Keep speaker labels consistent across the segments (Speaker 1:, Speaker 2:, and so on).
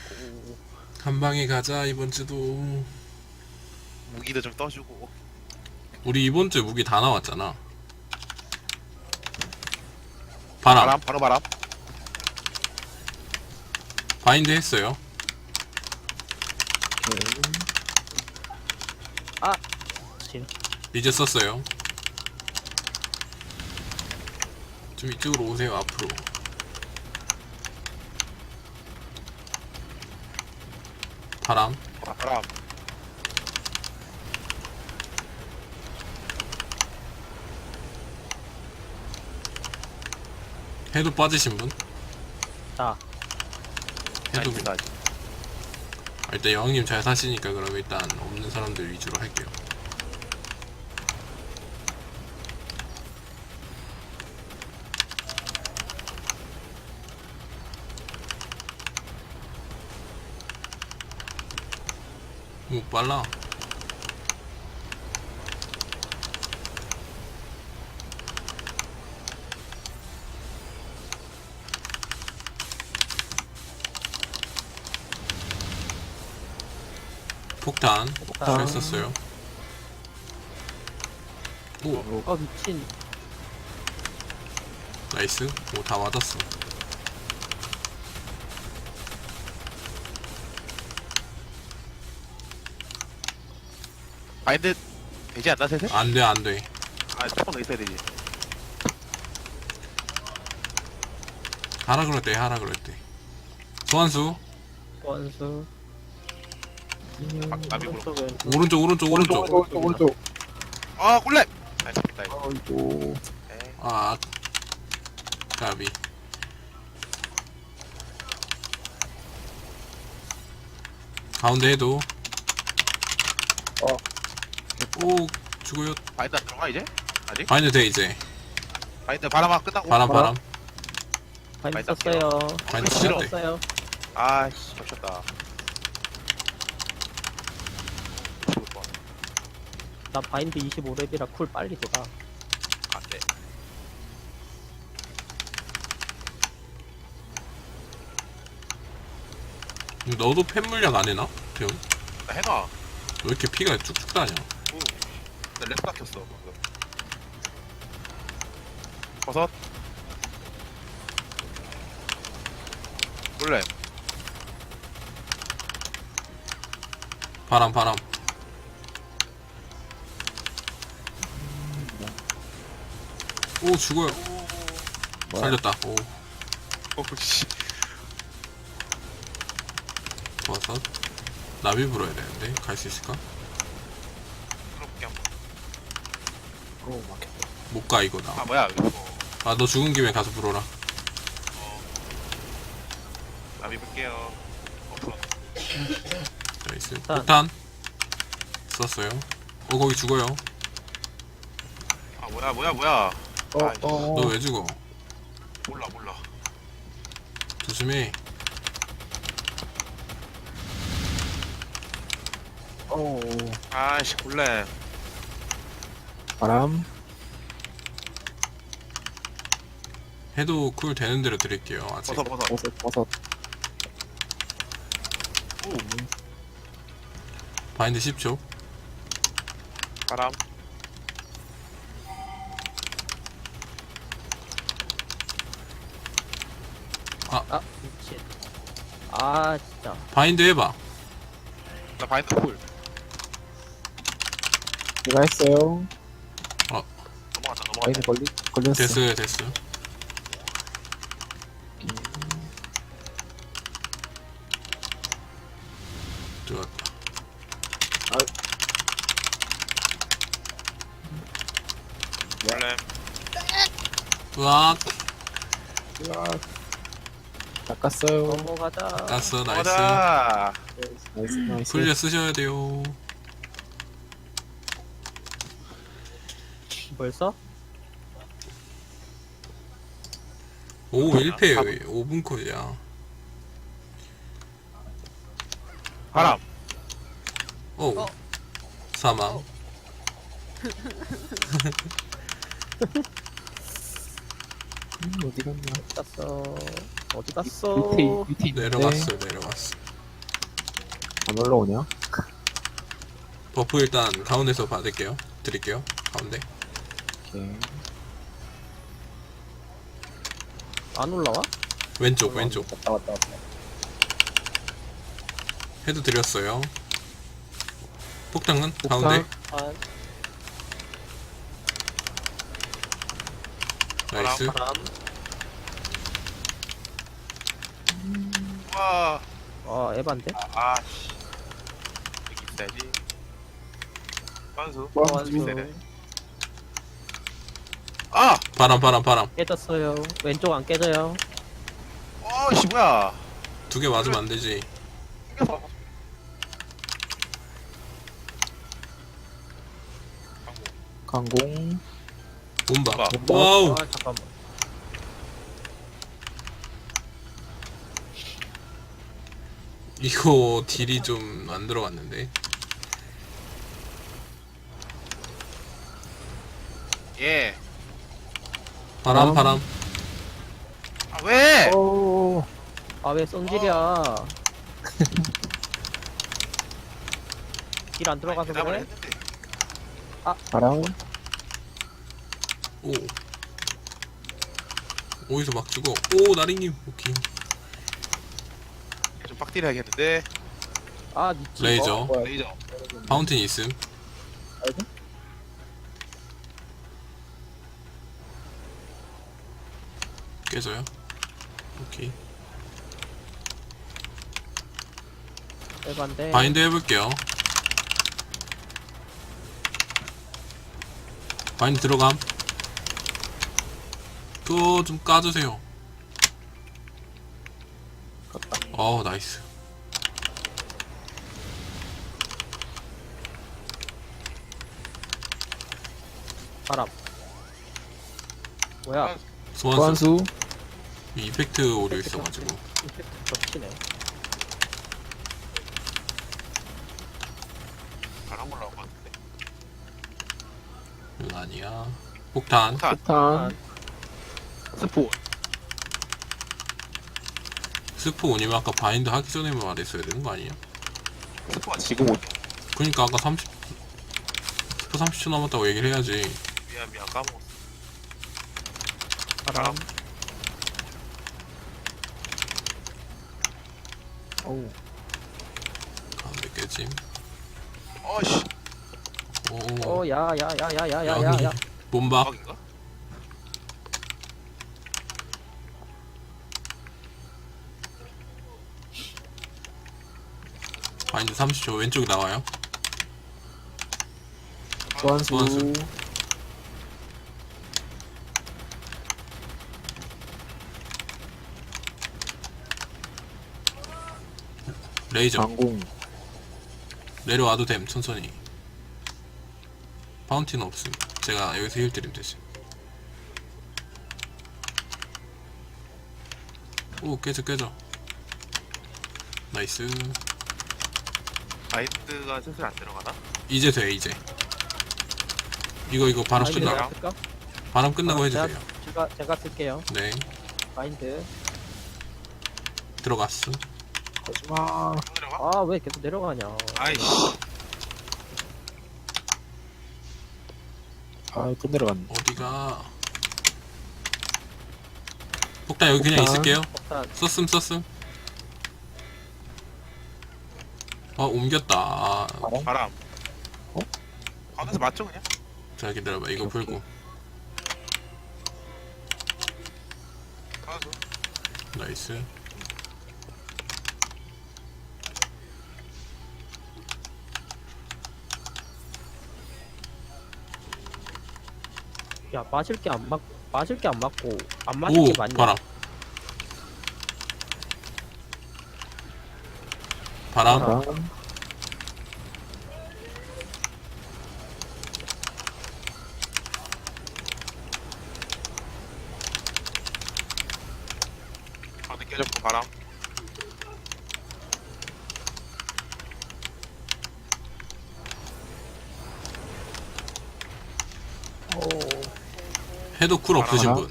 Speaker 1: 한 방에 가자 이번 주도.
Speaker 2: 무기도 좀 떠주고.
Speaker 1: 우리 이번 주에 무기 다 나왔잖아. 바람.
Speaker 2: 바람, 바로 바람.
Speaker 1: 바인드 했어요.
Speaker 3: 아! 진.
Speaker 1: 이제 썼어요. 좀 이쪽으로 오세요. 앞으로. 바람.
Speaker 2: 바람.
Speaker 1: 해도 빠지신 분?
Speaker 3: 자,
Speaker 1: 해도
Speaker 2: 아닙니다, 아직.
Speaker 1: 일단 여왕님 잘 사시니까 그럼 일단 없는 사람들 위주로 할게요. 오 빨라. 폭탄 잘 썼어요. 오
Speaker 3: 미친.
Speaker 1: 나이스. 오 다 맞았어.
Speaker 2: 바인드 되지 않나, 세세?
Speaker 1: 안돼 안돼.
Speaker 2: 아, 조금 더 있어야 되지.
Speaker 1: 하라 그럴 때 하라 그럴 때. 소환수
Speaker 3: 원수.
Speaker 2: 나비 물어.
Speaker 1: 오른쪽 오른쪽 오른쪽.
Speaker 4: 오른쪽.
Speaker 2: 아, 꿀렉! 아, 잡겠다, 이거.
Speaker 4: 아이고.
Speaker 2: 에이.
Speaker 1: 아 까비. 가운데 해도. 오 죽어요.
Speaker 2: 바인드 안 들어가, 이제? 아직?
Speaker 1: 바인드 돼 이제.
Speaker 2: 바인드 바람아 끝나고.
Speaker 1: 바람 바람.
Speaker 3: 바인드
Speaker 2: 많이
Speaker 3: 썼어요.
Speaker 1: 바인드
Speaker 2: 싫어.
Speaker 1: 시작돼.
Speaker 3: 썼어요.
Speaker 2: 아이씨, 겹쳤다. 죽을 뻔.
Speaker 3: 나 바인드 25렙이라 쿨 빨리 돌아.
Speaker 2: 안 돼.
Speaker 1: 너도 팬 물약 안 해나? 태훈?
Speaker 2: 나 해놔.
Speaker 1: 왜 이렇게 피가 쭉쭉 다녀?
Speaker 2: 오. 나렉 깎였어, 방금. 버섯. 꿀렉.
Speaker 1: 바람 바람. 오 죽어요. 살렸다. 오
Speaker 2: 씨.
Speaker 1: 버섯. 나비 불어야 되는데 갈 수 있을까?
Speaker 2: 들어볼게, 한번.
Speaker 4: 오, 막혔다.
Speaker 1: 못 가 이거
Speaker 2: 아,
Speaker 1: 나.
Speaker 2: 뭐야, 이거.
Speaker 1: 아 너 죽은 김에 가서 불어라.
Speaker 2: 나비 볼게요. 없어.
Speaker 1: 나이스.
Speaker 3: 폭탄.
Speaker 1: 폭탄 썼어요. 거기 죽어요.
Speaker 2: 아, 뭐야. 아이씨.
Speaker 1: 너 왜 죽어?
Speaker 2: 몰라.
Speaker 1: 조심해.
Speaker 4: 오.
Speaker 2: 아이씨, 꿀렉.
Speaker 4: 바람.
Speaker 1: 해도 쿨 되는 대로 드릴게요. 아직.
Speaker 2: 버섯.
Speaker 4: 버섯.
Speaker 2: 오.
Speaker 1: 바인드 10초.
Speaker 2: 바람.
Speaker 3: 아, 미친. 아, 진짜.
Speaker 1: 바인드 해봐.
Speaker 2: 나 바인드 쿨.
Speaker 4: 내가 했어요.
Speaker 2: 넘어간다.
Speaker 4: 아이는 걸렸어.
Speaker 1: 됐어요 됐어. 들어왔다.
Speaker 2: 꿀렉.
Speaker 1: 으악
Speaker 4: 닦았어요.
Speaker 3: 넘어가자.
Speaker 1: 땄어. 나이스.
Speaker 2: 가자.
Speaker 4: 나이스.
Speaker 1: 풀려 쓰셔야 돼요.
Speaker 3: 벌써?
Speaker 1: 오 1패 5분 콜이야.
Speaker 2: 바람.
Speaker 1: 오 사망.
Speaker 4: 어디 갔냐?
Speaker 3: 갔어. 어디 갔어?
Speaker 4: 밑에 있는데.
Speaker 1: 내려갔어 내려갔어.
Speaker 4: 안 올라오냐?
Speaker 1: 버프 일단 가운데서 받을게요. 드릴게요. 가운데.
Speaker 4: 오케이.
Speaker 3: 안 올라와?
Speaker 1: 왼쪽 왼쪽.
Speaker 4: 왔다.
Speaker 1: 헤드 드렸어요. 폭탄은
Speaker 4: 폭탄.
Speaker 1: 가운데.
Speaker 3: 아,
Speaker 1: 나이스.
Speaker 3: 바람.
Speaker 2: 와.
Speaker 3: 에반데?
Speaker 2: 씨. 여기 있어야지. 선수.
Speaker 3: 원수.
Speaker 2: 세네. 아!
Speaker 1: 바람.
Speaker 3: 깨졌어요. 왼쪽 안 깨져요.
Speaker 2: 씨, 뭐야.
Speaker 1: 두 개 맞으면 안 되지.
Speaker 2: 튕겨서.
Speaker 4: 강공.
Speaker 1: 몸박.
Speaker 2: 몸박.
Speaker 1: 와우.
Speaker 3: 아, 잠깐만.
Speaker 1: 이거 딜이 좀 안 들어갔는데.
Speaker 2: 예.
Speaker 1: 바람.
Speaker 2: 아, 왜?
Speaker 4: 오.
Speaker 3: 아, 왜 쏜질이야. 길 안 들어가서
Speaker 2: 대답을
Speaker 3: 그래?
Speaker 2: 했는데.
Speaker 4: 바람.
Speaker 1: 오. 어디서 막 죽어. 오 나리님. 오케이.
Speaker 2: 좀 빡딜 해야겠는데.
Speaker 3: 아, 미치.
Speaker 1: 레이저.
Speaker 2: 레이저.
Speaker 1: 파운틴 있음. 깨져요. 오케이.
Speaker 3: 에반데.
Speaker 1: 바인드 해볼게요. 바인드 들어감. 그거 좀 까주세요. 나이스.
Speaker 3: 바람. 뭐야?
Speaker 1: 소환수.
Speaker 4: 소환수.
Speaker 1: 이펙트 오류 있어가지고.
Speaker 3: 이펙트 겹치네.
Speaker 2: 바람 올라온 것 같은데.
Speaker 1: 이건 아니야. 폭탄.
Speaker 4: 폭탄.
Speaker 2: 스포.
Speaker 1: 스포 오니면 아까 바인드 하기 전에 말했어야 되는 거 아니야?
Speaker 2: 스포가 지금 오죠.
Speaker 1: 그니까 아까 스포 30초 남았다고 얘기를 해야지.
Speaker 2: 미안, 까먹었어.
Speaker 3: 바람.
Speaker 4: 오우.
Speaker 1: 가운데 깨짐.
Speaker 2: 씨.
Speaker 1: 오.
Speaker 3: 야야야야야야야야.
Speaker 1: 몸박.
Speaker 2: 대박인가?
Speaker 1: 바인드 30초 왼쪽에 나와요.
Speaker 4: 소환수.
Speaker 1: 소환수. 레이저.
Speaker 4: 강공.
Speaker 1: 내려와도 됨. 천천히. 파운틴 없음. 제가 여기서 힐 드림 되지. 오 깨져. 나이스.
Speaker 2: 바인드가 슬슬 안 들어가나?
Speaker 1: 이제 돼 이제. 이거 바람
Speaker 3: 바인드
Speaker 1: 끝나.
Speaker 3: 내가 쓸까?
Speaker 1: 바람 끝나고 해주세요.
Speaker 3: 제가 쓸게요.
Speaker 1: 네.
Speaker 3: 바인드.
Speaker 1: 들어갔어.
Speaker 4: 하지마.
Speaker 2: 안 들어가?
Speaker 3: 아, 왜 계속 내려가냐.
Speaker 2: 아이씨.
Speaker 4: 또 내려갔네.
Speaker 1: 어디가? 폭탄 여기 그냥
Speaker 4: 폭탄.
Speaker 1: 있을게요.
Speaker 3: 폭탄.
Speaker 1: 썼음. 옮겼다.
Speaker 2: 바람.
Speaker 4: 어?
Speaker 2: 가운데서 맞죠, 그냥?
Speaker 1: 자 기다려봐. 이거
Speaker 4: 오케이.
Speaker 1: 풀고.
Speaker 2: 선수.
Speaker 1: 나이스.
Speaker 3: 야, 맞을 게 안 맞고 안 맞을
Speaker 1: 오
Speaker 3: 게 맞냐?
Speaker 1: 바람. 바람.
Speaker 4: 바람.
Speaker 2: 가운데 깨졌고, 바람.
Speaker 1: 해도 쿨 없으신
Speaker 4: 바람.
Speaker 1: 분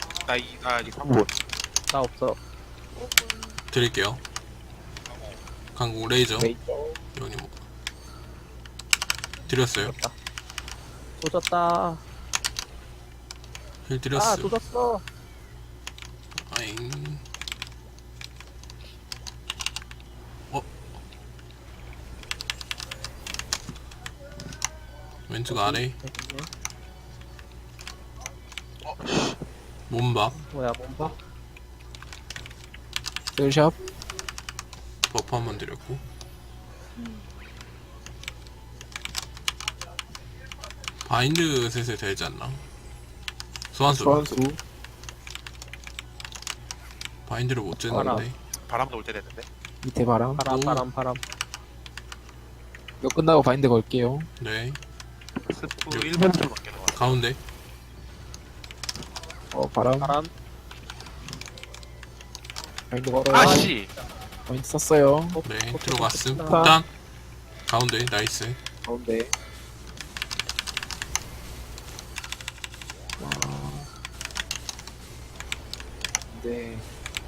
Speaker 2: 나 여기 3분.
Speaker 3: 나 없어.
Speaker 1: 드릴게요. 강공 레이저.
Speaker 4: 레이저.
Speaker 1: 여왕님 뭐 드렸어요.
Speaker 3: 조졌다.
Speaker 1: 힐
Speaker 3: 아,
Speaker 1: 드렸어.
Speaker 3: 조졌어.
Speaker 1: 아잉. 왼쪽 아래 몸박
Speaker 3: 뭐야, 몸박?
Speaker 4: 셀샵.
Speaker 1: 버프 한 번 드렸고 바인드 슬슬 되지 않나? 소환수
Speaker 4: 소환수.
Speaker 1: 바인드를 못 쬐는데
Speaker 2: 바람도 올 때 됐는데.
Speaker 4: 밑에 바람.
Speaker 3: 바람,
Speaker 1: 오.
Speaker 3: 바람, 바람.
Speaker 4: 이거 끝나고 바인드 걸게요.
Speaker 1: 네
Speaker 2: 스프
Speaker 1: 요.
Speaker 2: 1벤트로 넘기는 거 같아.
Speaker 1: 가운데
Speaker 4: 바람.
Speaker 3: 바람.
Speaker 4: 바인드 걸어요.
Speaker 2: 아씨.
Speaker 4: 바인드 썼어요.
Speaker 1: 네 들어갔음.
Speaker 3: 폭탄.
Speaker 1: 폭탄 가운데 나이스.
Speaker 4: 가운데. 네.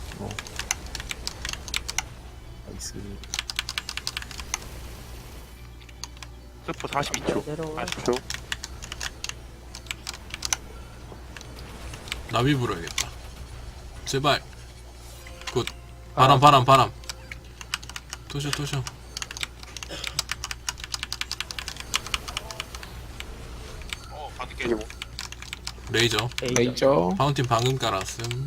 Speaker 4: 나이스.
Speaker 2: 스프 42초.
Speaker 3: 내려와.
Speaker 2: 40초.
Speaker 1: 나비 불어야겠다. 제발. 굿. 바람. 토셔.
Speaker 2: 바드 깨지고.
Speaker 1: 레이저.
Speaker 4: 레이저.
Speaker 1: 파운틴 방금 깔았음.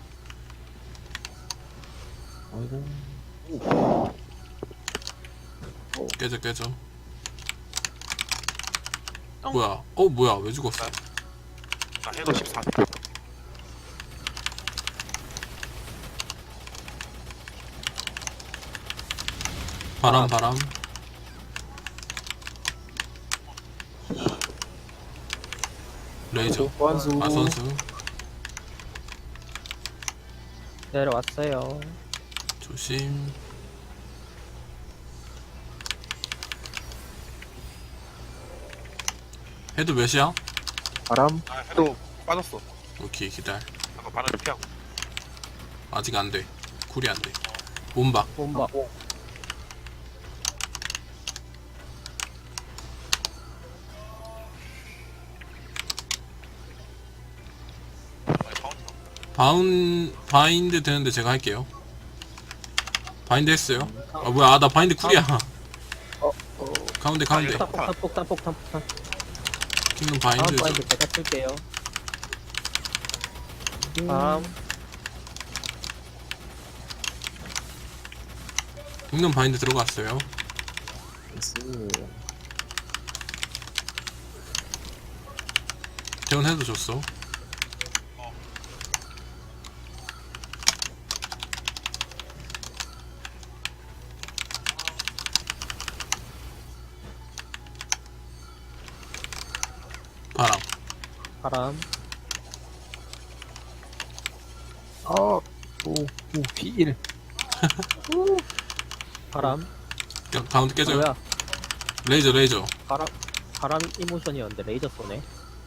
Speaker 4: 아이고.
Speaker 1: 깨져. 뭐야? 뭐야? 왜 죽었어?
Speaker 2: 나 해도 14초.
Speaker 1: 바람. 레이저.
Speaker 4: 소환수.
Speaker 1: 선수.
Speaker 3: 내려왔어요.
Speaker 1: 조심. 헤드 몇이야?
Speaker 4: 바람.
Speaker 2: 해도 빠졌어.
Speaker 1: 오케이 기다려.
Speaker 2: 아까 바람 좀 피하고.
Speaker 1: 아직 안 돼. 쿨이 안 돼. 몸박.
Speaker 3: 몸박.
Speaker 1: 바인드 되는데 제가 할게요. 바인드 했어요. 아 뭐야? 나 바인드 쿨이야. 가운데.
Speaker 3: 폭탄.
Speaker 1: 킹덤
Speaker 3: 다음
Speaker 1: 바인드.
Speaker 3: 바인드 제가 쓸게요. 바람.
Speaker 1: 킹덤 바인드 들어갔어요.
Speaker 4: 나이스.
Speaker 1: 재원 해도 줬어.
Speaker 3: 바람.
Speaker 4: P1.
Speaker 3: 바람.
Speaker 1: 가운데 깨져요.
Speaker 3: 뭐야?
Speaker 1: 레이저.
Speaker 3: 바람 이모션이었는데 레이저 쏘네.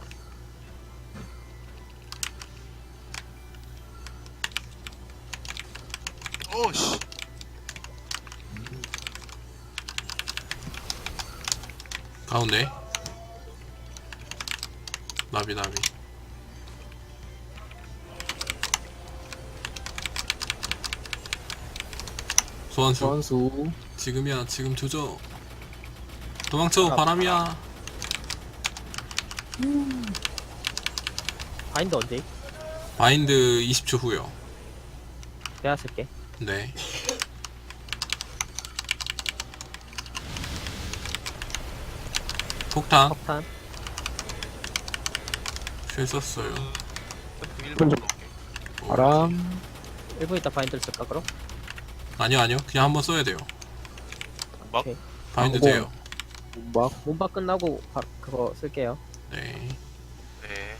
Speaker 2: 오씨.
Speaker 1: 가운데. 나비. 소환수.
Speaker 4: 소환수.
Speaker 1: 지금이야. 지금 조져. 도망쳐. 바람이야.
Speaker 3: 바인드 언제?
Speaker 1: 바인드 20초 후요.
Speaker 3: 내가 쓸게.
Speaker 1: 네. 폭탄.
Speaker 3: 폭탄.
Speaker 1: 쉘 썼어요.
Speaker 2: 스프 1벤트로 넘게.
Speaker 4: 바람.
Speaker 3: 1분 있다 바인드를 쓸까 그럼?
Speaker 1: 아니요. 그냥 한번 써야 돼요.
Speaker 2: 막
Speaker 3: 오케이.
Speaker 1: 바인드
Speaker 4: 뭐.
Speaker 1: 돼요.
Speaker 4: 몸박.
Speaker 3: 몸박 끝나고 그거 쓸게요.
Speaker 1: 네.
Speaker 2: 네.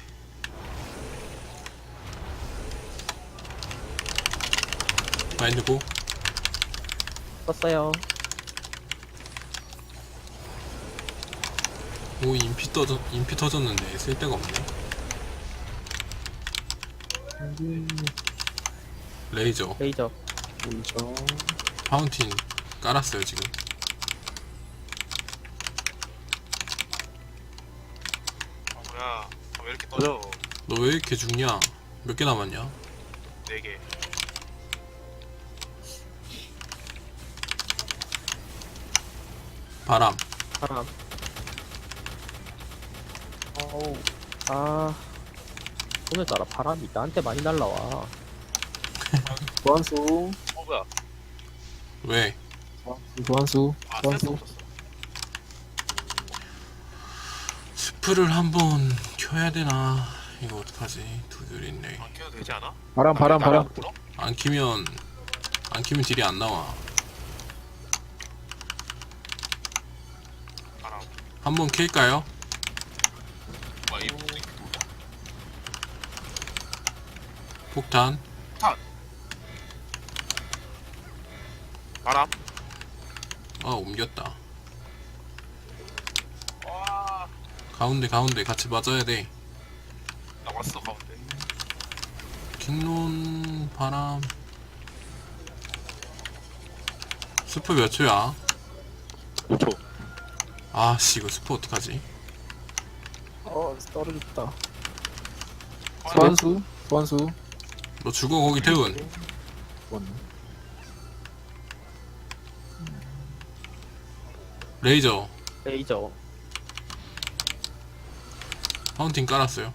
Speaker 1: 바인드 고.
Speaker 3: 썼어요.
Speaker 1: 오 인피 터졌는데 쓸 데가 없네. 레이저.
Speaker 3: 레이저.
Speaker 4: 레이저.
Speaker 1: 파운틴 깔았어요 지금.
Speaker 2: 아 뭐야? 왜 이렇게 떠져?
Speaker 1: 너 왜 이렇게 죽냐? 몇 개 남았냐?
Speaker 2: 4개.
Speaker 1: 바람.
Speaker 3: 바람. 어우. 아. 오늘따라 바람이 나한테 많이 날라와.
Speaker 4: 소환수.
Speaker 2: 뭐야?
Speaker 1: 왜?
Speaker 4: 소환수.
Speaker 2: 아 센스
Speaker 4: 소환수.
Speaker 2: 없었어.
Speaker 1: 스프를 한번 켜야 되나? 이거 어떡하지? 두 줄 있네.
Speaker 2: 안 켜도 되지 않아?
Speaker 4: 바람, 바람, 바람.
Speaker 2: 불어?
Speaker 1: 안 키면 딜이 안 나와.
Speaker 2: 바람.
Speaker 1: 한번 킬까요?
Speaker 2: 와 이거 이렇게 돌냐?
Speaker 1: 폭탄.
Speaker 2: 바람.
Speaker 1: 아 옮겼다.
Speaker 2: 와.
Speaker 1: 가운데 같이 맞아야 돼.
Speaker 2: 나 왔어 가운데.
Speaker 1: 킹론 바람. 스프 몇 초야?
Speaker 4: 5초.
Speaker 1: 아씨 이거 스프 어떡하지?
Speaker 4: 떨어졌다. 소환수. 소환수.
Speaker 1: 너 죽어 거기 태운.
Speaker 4: 소환.
Speaker 1: 레이저.
Speaker 3: 레이저.
Speaker 1: 파운틴 깔았어요.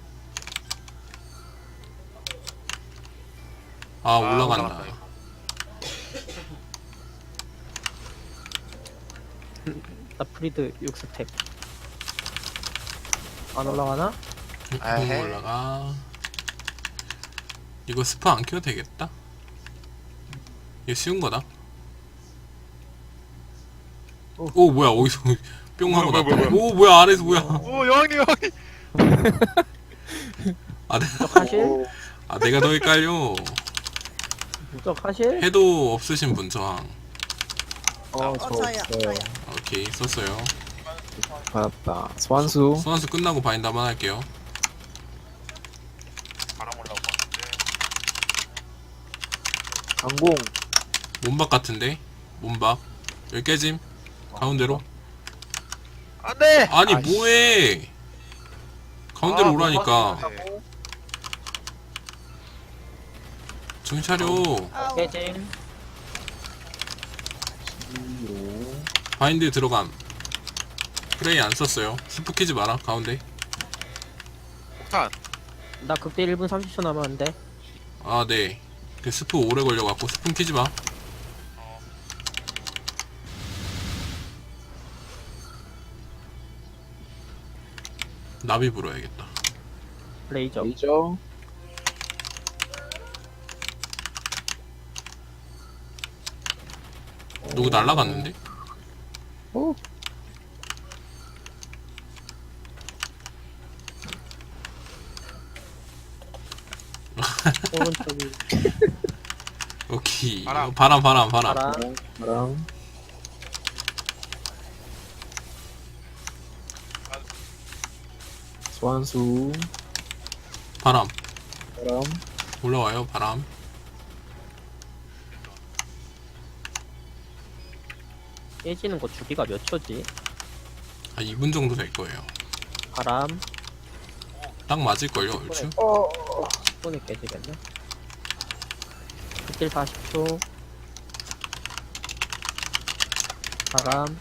Speaker 1: 아 올라간다.
Speaker 2: 올라간다, 이거.
Speaker 3: 나 프리드 6스택. 안 올라가나?
Speaker 2: 에헤이.
Speaker 1: 올라가. 이거 스프 안 켜도 되겠다. 이거 쉬운 거다. 오 뭐야 어디서 뿅 하고
Speaker 2: 뭐야,
Speaker 1: 났다.
Speaker 2: 뭐야,
Speaker 1: 오 뭐야 아래에서 뭐야?
Speaker 2: 오 여왕님 여왕님.
Speaker 1: 아,
Speaker 3: 무적하실?
Speaker 1: 내가 더 헷갈려.
Speaker 3: 무적하실?
Speaker 1: 해도 없으신 분 저항.
Speaker 4: 저
Speaker 5: 저요,
Speaker 4: 없어요.
Speaker 5: 저요.
Speaker 1: 오케이 썼어요.
Speaker 4: 받았다. 소환수.
Speaker 1: 소환수 끝나고 바인드 한번 할게요.
Speaker 2: 바람 올라오고 왔는데.
Speaker 4: 강공.
Speaker 1: 몸박 같은데? 몸박. 여기 깨짐. 가운데로.
Speaker 2: 안돼.
Speaker 1: 아니 뭐해? 가운데로 오라니까. 정신 차려.
Speaker 5: 아우,
Speaker 3: 깨짐.
Speaker 1: 바인드 들어감. 프레이 안 썼어요. 스프 키지 마라. 가운데.
Speaker 2: 폭탄.
Speaker 3: 나 극대 1분 30초 남았는데.
Speaker 1: 아 네. 그 스프 오래 걸려갖고 스푼 키지 마. 나비 불어야겠다.
Speaker 3: 레이저.
Speaker 4: 레이저.
Speaker 1: 누구 날라갔는데?
Speaker 4: 오.
Speaker 3: 오른쪽이
Speaker 1: 오케이.
Speaker 2: 바람.
Speaker 1: 바람.
Speaker 3: 바람.
Speaker 4: 바람. 소환수.
Speaker 1: 바람.
Speaker 4: 바람.
Speaker 1: 올라와요. 바람.
Speaker 3: 깨지는 거 주기가 몇 초지?
Speaker 1: 한 2분 정도 될 거예요.
Speaker 3: 바람.
Speaker 1: 딱 맞을걸요, 얼추?
Speaker 3: 10분에 깨지겠네. 극딜 40초. 바람.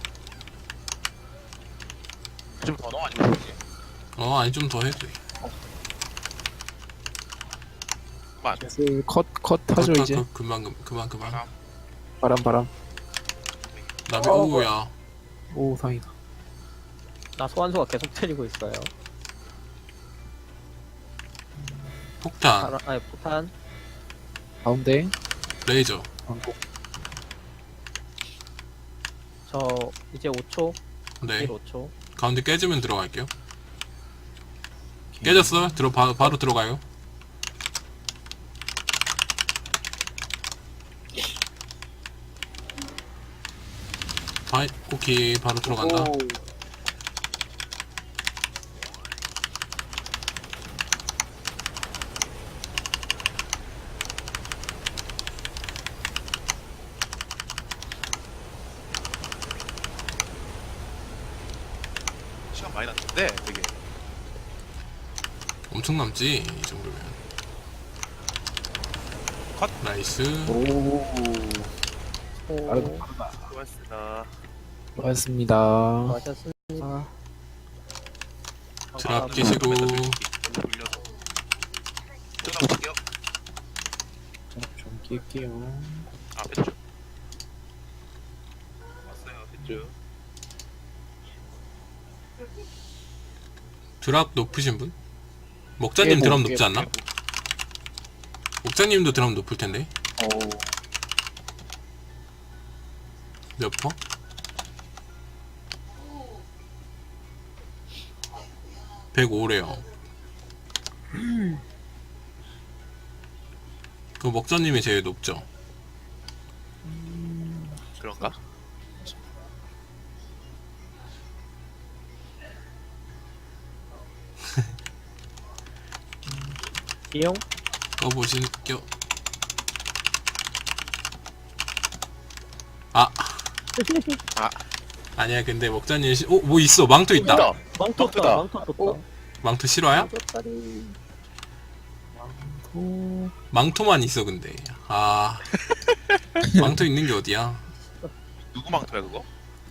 Speaker 2: 좀더 넣어 아니면 되지?
Speaker 1: 아니 좀 더 해도 돼.
Speaker 4: 슬 컷 하죠 이제.
Speaker 1: 그만.
Speaker 2: 바람.
Speaker 4: 바람.
Speaker 1: 나비 오야.
Speaker 4: 오 다행이다.
Speaker 3: 나 소환수가 계속 때리고 있어요.
Speaker 1: 폭탄.
Speaker 3: 바람, 아니 폭탄.
Speaker 4: 가운데.
Speaker 1: 레이저.
Speaker 4: 강공.
Speaker 3: 저 이제 5초.
Speaker 1: 네.
Speaker 3: 1 5초.
Speaker 1: 가운데 깨지면 들어갈게요. 깨졌어? 바로 들어가요. 오케이. 바로 들어간다.
Speaker 4: 오.
Speaker 2: 시간 많이 났는데 되게.
Speaker 1: 엄청 남지 이 정도면.
Speaker 2: 컷.
Speaker 1: 나이스.
Speaker 4: 오.
Speaker 3: 오,
Speaker 4: 빠르다.
Speaker 2: 수고하셨습니다.
Speaker 4: 고맙습니다.
Speaker 3: 수고하셨습니다.
Speaker 1: 드랍 끼시고.
Speaker 2: 돌려서. 들어가볼게요.
Speaker 4: 좀 낄게요.
Speaker 2: 아, 뺐죠. 왔어요, 뺐죠.
Speaker 1: 드랍 높으신 분? 먹자님
Speaker 4: 깨보,
Speaker 1: 드랍 높지
Speaker 4: 깨보,
Speaker 1: 않나? 먹자님도 드랍 높을 텐데. 몇 퍼? (105래요) 그 먹자님이 제일 높죠.
Speaker 2: 그런가?
Speaker 3: 이용?
Speaker 1: 꺼보실게요. 아
Speaker 2: 아.
Speaker 1: 아니야. 근데 먹자님 뭐 있어. 망토 있다.
Speaker 2: 있다.
Speaker 3: 망토
Speaker 2: 망토다.
Speaker 3: 떴다. 망토 떴다.
Speaker 1: 망토 실화야?
Speaker 3: 망토다리.
Speaker 4: 오.
Speaker 1: 망토만 있어. 근데 망토 있는 게 어디야?
Speaker 2: 누구 망토야 그거?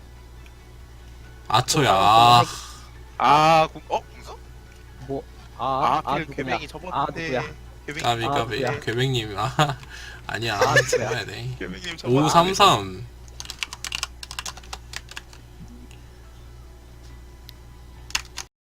Speaker 1: 아처야.
Speaker 2: 궁서?
Speaker 3: 뭐?
Speaker 2: 그
Speaker 3: 누구야?
Speaker 2: 괴맹이
Speaker 3: 아,
Speaker 2: 접었는데.
Speaker 3: 누구야?
Speaker 2: 괴맹이
Speaker 1: 까비
Speaker 3: 누구야?
Speaker 1: 괴맹님. 아니야.
Speaker 3: 누구야?
Speaker 1: 잡아야 돼.
Speaker 2: 괴맹님 접었는데.
Speaker 1: 533